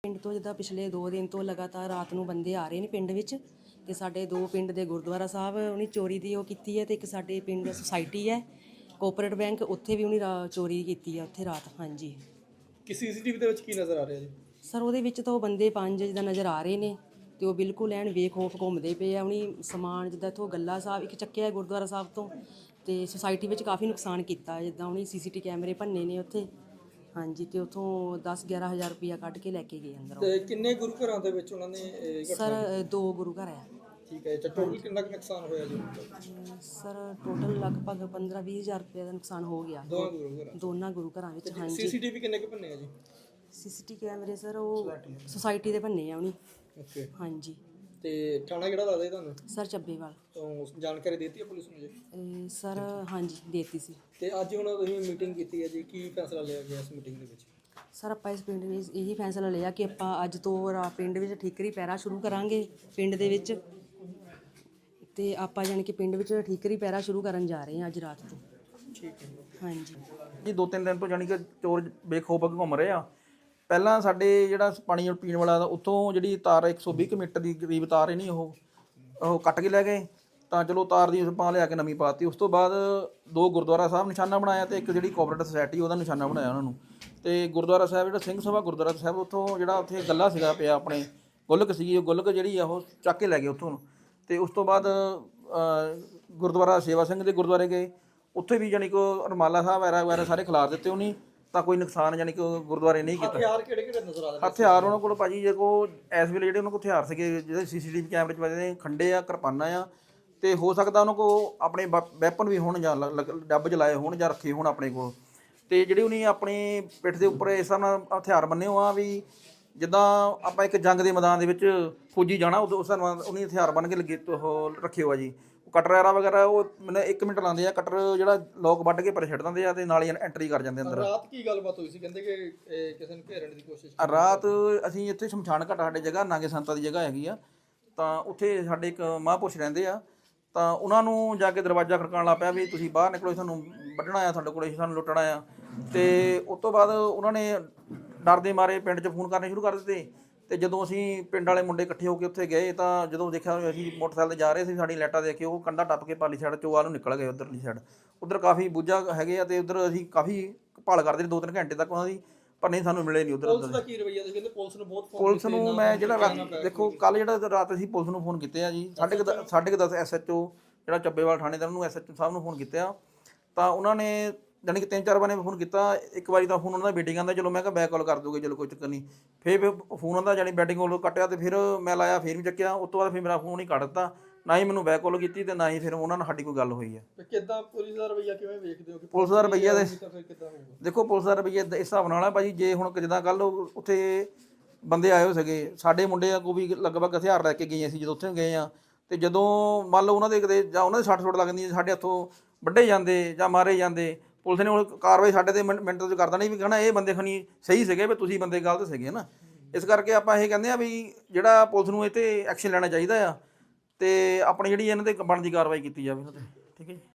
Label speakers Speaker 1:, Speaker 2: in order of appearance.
Speaker 1: ਪਿੰਡ ਤੋਂ ਜਿੱਦਾਂ ਪਿਛਲੇ 2 ਦਿਨ ਤੋਂ ਲਗਾਤਾਰ ਰਾਤ ਨੂੰ ਬੰਦੇ ਆ ਰਹੇ ਨੇ ਪਿੰਡ ਵਿੱਚ ਤੇ ਸਾਡੇ 2 ਪਿੰਡ ਦੇ ਗੁਰਦੁਆਰਾ ਸਾਹਿਬ ਉਹਨੇ ਚੋਰੀ ਦੀ ਉਹ ਕੀਤੀ ਹੈ ਤੇ ਇੱਕ ਸਾਡੇ ਪਿੰਡ ਸੁਸਾਇਟੀ ਹੈ ਕੋਆਪਰੇਟ ਬੈਂਕ ਉੱਥੇ ਵੀ ਉਹਨੇ ਚੋਰੀ ਕੀਤੀ ਹੈ ਉੱਥੇ ਰਾਤ। ਹਾਂਜੀ।
Speaker 2: ਕਿ ਸੀਸੀਟੀਵੀ ਦੇ ਵਿੱਚ ਕੀ ਨਜ਼ਰ ਆ ਰਿਹਾ ਜੀ?
Speaker 1: ਸਰ ਉਹਦੇ ਵਿੱਚ ਤਾਂ ਉਹ ਬੰਦੇ 5 ਜਿੱਦਾਂ ਨਜ਼ਰ ਆ ਰਹੇ ਨੇ ਤੇ ਉਹ ਬਿਲਕੁਲ ਐਨ ਬੇਖੌਫ ਘੁੰਮਦੇ ਪਏ ਆ। ਉਹਨੇ ਸਮਾਨ ਜਿੱਦਾਂ ਇੱਥੋਂ ਗੱਲਾ ਸਾਹਿਬ ਇੱਕ ਚੱਕਿਆ ਗੁਰਦੁਆਰਾ ਸਾਹਿਬ ਤੋਂ ਤੇ ਸੁਸਾਇਟੀ ਵਿੱਚ ਕਾਫੀ ਨੁਕਸਾਨ ਕੀਤਾ ਜਿੱਦਾਂ ਉਹਨੇ ਸੀਸੀਟੀ ਕੈਮਰੇ ਭੰਨੇ ਨੇ ਉੱਥੇ। ਹਾਂਜੀ। ਤੇ ਉੱਥੋਂ 10-11 ਹਜ਼ਾਰ ਰੁਪਇਆ ਕੱਢ ਕੇ ਲੈ ਕੇ ਗਏ ਅੰਦਰੋਂ।
Speaker 2: ਤੇ ਕਿੰਨੇ ਗੁਰੂ ਘਰਾਂ ਦੇ ਵਿੱਚ ਉਹਨਾਂ ਨੇ
Speaker 1: ਸਰ 2 ਗੁਰੂ ਘਰ ਹੈ।
Speaker 2: ਠੀਕ ਹੈ। ਟੋਟਲ ਕਿੰਨਾ ਕੁ ਨੁਕਸਾਨ ਹੋਇਆ ਜੀ?
Speaker 1: ਸਰ ਟੋਟਲ ਲਗਭਗ 15-20 ਹਜ਼ਾਰ ਰੁਪਏ ਦਾ ਨੁਕਸਾਨ ਹੋ ਗਿਆ ਦੋਨਾਂ ਗੁਰੂ ਘਰਾਂ ਵਿੱਚ। ਹਾਂਜੀ।
Speaker 2: ਸੀਸੀਟੀਵੀ ਕਿੰਨੇ ਕੁ ਭੰਨੇ ਆ ਜੀ?
Speaker 1: ਸੀਸੀਟੀ ਕੈਮਰੇ ਸਰ ਉਹ ਸੁਸਾਇਟੀ ਦੇ ਭੰਨੇ ਆ ਉਹਨੇ।
Speaker 2: ਓਕੇ।
Speaker 1: ਹਾਂਜੀ।
Speaker 2: ਤੇ ਥਾਣਾ ਕਿਹੜਾ ਲੱਗਦਾ ਜੀ ਤੁਹਾਨੂੰ?
Speaker 1: ਸਰ ਚੱਬੇਵਾਲ।
Speaker 2: ਤੋਂ ਜਾਣਕਾਰੀ ਦਿੱਤੀ ਹੈ ਪੁਲਿਸ ਨੂੰ ਜੀ?
Speaker 1: ਸਰ ਹਾਂਜੀ ਦੇਤੀ ਸੀ।
Speaker 2: ਤੇ ਅੱਜ ਹੁਣ ਤੁਸੀਂ ਮੀਟਿੰਗ ਕੀਤੀ ਹੈ ਜੀ, ਕੀ ਫੈਸਲਾ ਲਿਆ ਗਿਆ ਇਸ ਮੀਟਿੰਗ ਦੇ ਵਿੱਚ?
Speaker 1: ਸਰ ਆਪਾਂ ਇਸ ਪਿੰਡ ਵਿੱਚ ਇਹੀ ਫੈਸਲਾ ਲਿਆ ਕਿ ਆਪਾਂ ਅੱਜ ਤੋਂ ਪਿੰਡ ਵਿੱਚ ਠੀਕਰੀ ਪਹਿਰਾ ਸ਼ੁਰੂ ਕਰਾਂਗੇ ਪਿੰਡ ਦੇ ਵਿੱਚ ਤੇ ਆਪਾਂ ਯਾਨੀ ਕਿ ਪਿੰਡ ਵਿੱਚ ਠੀਕਰੀ ਪਹਿਰਾ ਸ਼ੁਰੂ ਕਰਨ ਜਾ ਰਹੇ ਹਾਂ ਅੱਜ ਰਾਤ ਤੋਂ।
Speaker 2: ਠੀਕ ਹੈ
Speaker 1: ਹਾਂਜੀ
Speaker 3: ਜੀ। 2-3 ਦਿਨ ਤੋਂ ਜਾਨੀ ਕਿ ਚੋਰ ਬੇਖੌਫ ਘੁੰਮ ਰਹੇ ਆ। ਪਹਿਲਾਂ ਸਾਡੇ ਜਿਹੜਾ ਪਾਣੀ ਪੀਣ ਵਾਲਾ ਉੱਥੋਂ ਜਿਹੜੀ ਤਾਰ 120 ਮੀਟਰ ਦੀ ਕਰੀਬ ਤਾਰ ਨਹੀਂ ਉਹ ਕੱਟ ਕੇ ਲੈ ਗਏ ਤਾਂ ਚਲੋ ਤਾਰ ਦੀ ਆਪਾਂ ਲਿਆ ਕੇ ਨਵੀਂ ਪਾਤੀ। ਉਸ ਤੋਂ ਬਾਅਦ 2 ਗੁਰਦੁਆਰਾ ਸਾਹਿਬ ਨਿਸ਼ਾਨਾ ਬਣਾਇਆ ਤੇ ਇੱਕ ਜਿਹੜੀ ਕੋਆਪਰੇਟਿਵ ਸੁਸਾਇਟੀ ਉਹਦਾ ਨਿਸ਼ਾਨਾ ਬਣਾਇਆ ਉਹਨਾਂ ਨੂੰ। ਤੇ ਗੁਰਦੁਆਰਾ ਸਾਹਿਬ ਜਿਹੜਾ ਸਿੰਘ ਸਭਾ ਗੁਰਦੁਆਰਾ ਸਾਹਿਬ ਉੱਥੋਂ ਜਿਹੜਾ ਉੱਥੇ ਗੱਲਾ ਸੀਗਾ ਪਿਆ ਆਪਣੇ ਗੁੱਲਕ ਸੀਗੀ ਉਹ ਗੁੱਲਕ ਜਿਹੜੀ ਆ ਉਹ ਚੱਕ ਕੇ ਲੈ ਗਏ ਉੱਥੋਂ। ਤੇ ਉਸ ਤੋਂ ਬਾਅਦ ਗੁਰਦੁਆਰਾ ਸੇਵਾ ਸਿੰਘ ਦੇ ਗੁਰਦੁਆਰੇ ਗਏ ਉੱਥੇ ਵੀ ਜਾਨੀ ਕਿ ਰੁਮਾਲਾ ਸਾਹਿਬ ਵਗੈਰਾ ਸਾਰੇ ਖਿਲਾਰ ਦਿੱਤੇ ਉਹਨੇ ਤਾਂ ਕੋਈ ਨੁਕਸਾਨ ਜਾਨੀ ਕਿ ਗੁਰਦੁਆਰੇ ਨਹੀਂ ਕੀਤਾ।
Speaker 2: ਹਥਿਆਰ ਕਿਹੜੇ ਨਜ਼ਰ ਆ ਰਹੇ?
Speaker 3: ਹਥਿਆਰ ਉਹਨਾਂ ਕੋਲ ਭਾਜੀ ਜੇ ਕੋ ਇਸ ਵੇਲੇ ਜਿਹੜੇ ਉਹਨਾਂ ਕੋਲ ਹਥਿਆਰ ਸੀਗੇ ਜਿਹੜੇ ਸੀਸੀਟੀਵੀ ਕੈਮਰੇ 'ਚ ਵੱਜਦੇ ਖੰਡੇ ਆ ਕਿਰਪਾਨਾਂ ਆ ਤੇ ਹੋ ਸਕਦਾ ਉਹਨਾਂ ਕੋਲ ਆਪਣੇ ਵੈਪਨ ਵੀ ਹੋਣ ਜਾਂ ਡੱਬ ਚਲਾਏ ਹੋਣ ਜਾਂ ਰੱਖੇ ਹੋਣ ਆਪਣੇ ਕੋਲ। ਤੇ ਜਿਹੜੇ ਉਹਨੇ ਆਪਣੀ ਪਿੱਠ ਦੇ ਉੱਪਰ ਇਸ ਹਿਸਾਬ ਨਾਲ ਹਥਿਆਰ ਬੰਨੇ ਹੋ ਆ ਵੀ ਜਿੱਦਾਂ ਆਪਾਂ ਇੱਕ ਜੰਗ ਦੇ ਮੈਦਾਨ ਦੇ ਵਿੱਚ ਫੌਜੀ ਜਾਣਾ ਉਸ ਹਿਸਾਬ ਨਾਲ ਉਹਨੇ ਹਥਿਆਰ ਬੰਨ ਕੇ ਲੱਗੇ ਉਹ ਰੱਖੇ ਹੋ ਆ ਜੀ। ਕਟਰ ਵਗੈਰਾ ਉਹ ਮੈਨੂੰ 1 ਮਿੰਟ ਲਾਉਂਦੇ ਆ ਕਟਰ ਜਿਹੜਾ ਲੋਕ ਵੱਢ ਕੇ ਪਰ ਛੱਡ ਦਿੰਦੇ ਆ ਤੇ ਨਾਲ ਹੀ ਐਂਟਰੀ ਕਰ ਜਾਂਦੇ ਅੰਦਰ।
Speaker 2: ਰਾਤ ਕੀ ਗੱਲਬਾਤ ਹੋਈ ਸੀ? ਕਹਿੰਦੇ ਕਿ ਕਿਸੇ ਨੂੰ ਘੇਰਨ ਦੀ ਕੋਸ਼ਿਸ਼
Speaker 3: ਰਾਤ ਅਸੀਂ ਇੱਥੇ ਸ਼ਮਸ਼ਾਨ ਘਾਟ ਸਾਡੇ ਜਗ੍ਹਾ ਨਾਗੇ ਸੰਤਾਂ ਦੀ ਜਗ੍ਹਾ ਹੈਗੀ ਆ ਤਾਂ ਉੱਥੇ ਸਾਡੇ ਇੱਕ ਮਹਾਂਪੁਰਸ਼ ਰਹਿੰਦੇ ਆ ਤਾਂ ਉਹਨਾਂ ਨੂੰ ਜਾ ਕੇ ਦਰਵਾਜ਼ਾ ਖੜਕਾਉਣ ਲੱਗ ਪਿਆ ਵੀ ਤੁਸੀਂ ਬਾਹਰ ਨਿਕਲੋ ਸਾਨੂੰ ਵੱਢਣਾ ਆ ਤੁਹਾਡੇ ਕੋਲ ਸਾਨੂੰ ਲੁੱਟਣਾ ਆ। ਤੇ ਉਸ ਤੋਂ ਬਾਅਦ ਉਹਨਾਂ ਨੇ ਡਰ ਦੇ ਮਾਰੇ ਪਿੰਡ 'ਚ ਫੋਨ ਕਰਨੇ ਸ਼ੁਰੂ ਕਰ ਦਿੱਤੇ। ਤੇ ਜਦੋਂ ਅਸੀਂ ਪਿੰਡ ਵਾਲੇ ਮੁੰਡੇ ਇਕੱਠੇ ਹੋ ਕੇ ਉੱਥੇ ਗਏ ਤਾਂ ਜਦੋਂ ਦੇਖਿਆ ਅਸੀਂ ਮੋਟਰਸਾਈਕਲ 'ਤੇ ਜਾ ਰਹੇ ਸੀ ਸਾਡੀ ਲਾਈਟਾਂ ਦੇਖ ਕੇ ਉਹ ਕੰਧਾ ਟੱਪ ਕੇ ਪਾਲੀ ਸਾਈਡ ਚੋਆ ਨੂੰ ਨਿਕਲ ਗਏ ਉੱਧਰਲੀ ਸਾਈਡ। ਉੱਧਰ ਕਾਫੀ ਬੂਝਾ ਹੈਗੇ ਆ ਤੇ ਉੱਧਰ ਅਸੀਂ ਕਾਫੀ ਭਾਲ ਕਰਦੇ 2-3 ਘੰਟੇ ਤੱਕ ਉਹਨਾਂ ਦੀ ਪਰ ਨਹੀਂ ਸਾਨੂੰ ਮਿਲੇ ਨਹੀਂ ਉੱਧਰ।
Speaker 2: ਪੁਲਿਸ ਦਾ ਕੀ ਰਵੱਈਆ? ਕਹਿੰਦੇ ਪੁਲਿਸ ਨੂੰ ਬਹੁਤ
Speaker 3: ਪੁਲਿਸ ਨੂੰ ਮੈਂ ਜਿਹੜਾ ਦੇਖੋ ਕੱਲ ਜਿਹੜਾ ਰਾਤ ਅਸੀਂ ਪੁਲਿਸ ਨੂੰ ਫੋਨ ਕੀਤੇ ਆ ਜੀ 10:30 SHO ਜਿਹੜਾ ਚੱਬੇਵਾਲ ਥਾਣੇ ਦਾ ਉਹਨੂੰ SHO ਸਾਹਿਬ ਨੂੰ ਫੋਨ ਕੀਤੇ ਆ ਤਾਂ ਉਹਨਾਂ ਨੇ ਜਾਨੀ ਕਿ 3-4 ਵਾਰ ਫੋਨ ਕੀਤਾ। ਇੱਕ ਵਾਰੀ ਤਾਂ ਫੋਨ ਉਹਨਾਂ ਦਾ ਬੇਟਿੰਗ ਆਉਂਦਾ ਚਲੋ ਮੈਂ ਕਿਹਾ ਬੈਕ ਕਾਲ ਕਰ ਦੋਗੇ ਚਲੋ ਕੋਈ ਚੱਕਰ ਨਹੀਂ। ਫਿਰ ਫੋਨ ਆਉਂਦਾ ਜਾਨੀ ਬੈਟਿੰਗ ਕੋਲ ਕੱਟਿਆ ਤੇ ਫਿਰ ਮੈਂ ਲਾਇਆ ਫਿਰ ਵੀ ਚੱਕਿਆ। ਉਸ ਤੋਂ ਬਾਅਦ ਫਿਰ ਮੇਰਾ ਫੋਨ ਹੀ ਕੱਟ ਦਿੱਤਾ ਨਾ ਹੀ ਮੈਨੂੰ ਬੈਕ ਕਾਲ ਕੀਤੀ ਤੇ ਨਾ ਹੀ ਫਿਰ ਉਹਨਾਂ ਨਾਲ ਸਾਡੀ ਕੋਈ ਗੱਲ ਹੋਈ ਹੈ।
Speaker 2: ਕਿੱਦਾਂ ਪੁਲਿਸ ਦਾ ਰਵੱਈਆ ਕਿਵੇਂ ਵੇਖਦੇ ਹੋ?
Speaker 3: ਪੁਲਿਸ ਦਾ ਰਵੱਈਆ ਦੇ
Speaker 2: ਕਿੱਦਾਂ ਹੋਊਗਾ?
Speaker 3: ਦੇਖੋ ਪੁਲਿਸ ਦਾ ਰਵੱਈਆ ਇਸ ਹਿਸਾਬ ਨਾਲ ਹੈ ਭਾਜੀ ਜੇ ਹੁਣ ਜਿੱਦਾਂ ਕੱਲ ਉੱਥੇ ਬੰਦੇ ਆਏ ਹੋ ਸੀਗੇ ਸਾਡੇ ਮੁੰਡੇ ਕੋ ਵੀ ਲਗਭਗ ਹਥਿਆਰ ਲੈ ਕੇ ਗਏ ਅਸੀਂ ਜਦੋਂ ਉੱਥੇ ਗਏ ਆ ਤੇ ਜਦੋਂ ਮੰਨ ਲਓ ਉਹਨਾਂ ਦੇ ਕਿਤੇ ਜਾਂ ਉਹਨਾਂ ਦੇ ਸੱਟ ਸੁੱਟ ਲੱਗ ਜਾਂਦੀ ਸਾਡੇ ਹੱਥੋਂ ਵੱਢੇ ਜਾਂਦੇ ਜਾਂ ਮਾਰੇ ਜਾਂਦੇ ਪੁਲਿਸ ਨੇ ਹੁਣ ਕਾਰਵਾਈ ਸਾਡੇ ਤੇ ਮਿੰਟ ਤੋਂ ਕਰ ਦੇਣੀ ਵੀ ਕਹਿਣਾ ਇਹ ਬੰਦੇ ਖਣੀ ਸਹੀ ਸੀਗੇ ਵੀ ਤੁਸੀਂ ਬੰਦੇ ਗਲਤ ਸੀਗੇ ਨਾ। ਇਸ ਕਰਕੇ ਆਪਾਂ ਇਹ ਕਹਿੰਦੇ ਆ ਵੀ ਜਿਹੜਾ ਪੁਲਿਸ ਨੂੰ ਇਹ ਤੇ ਐਕਸ਼ਨ ਲੈਣਾ ਚਾਹੀਦਾ ਆ ਤੇ ਆਪਣੀ ਜਿਹੜੀ ਇਹਨਾਂ ਤੇ ਬਣਦੀ ਕਾਰਵਾਈ ਕੀਤੀ ਜਾਵੇ। ਠੀਕ ਹੈ ਜੀ।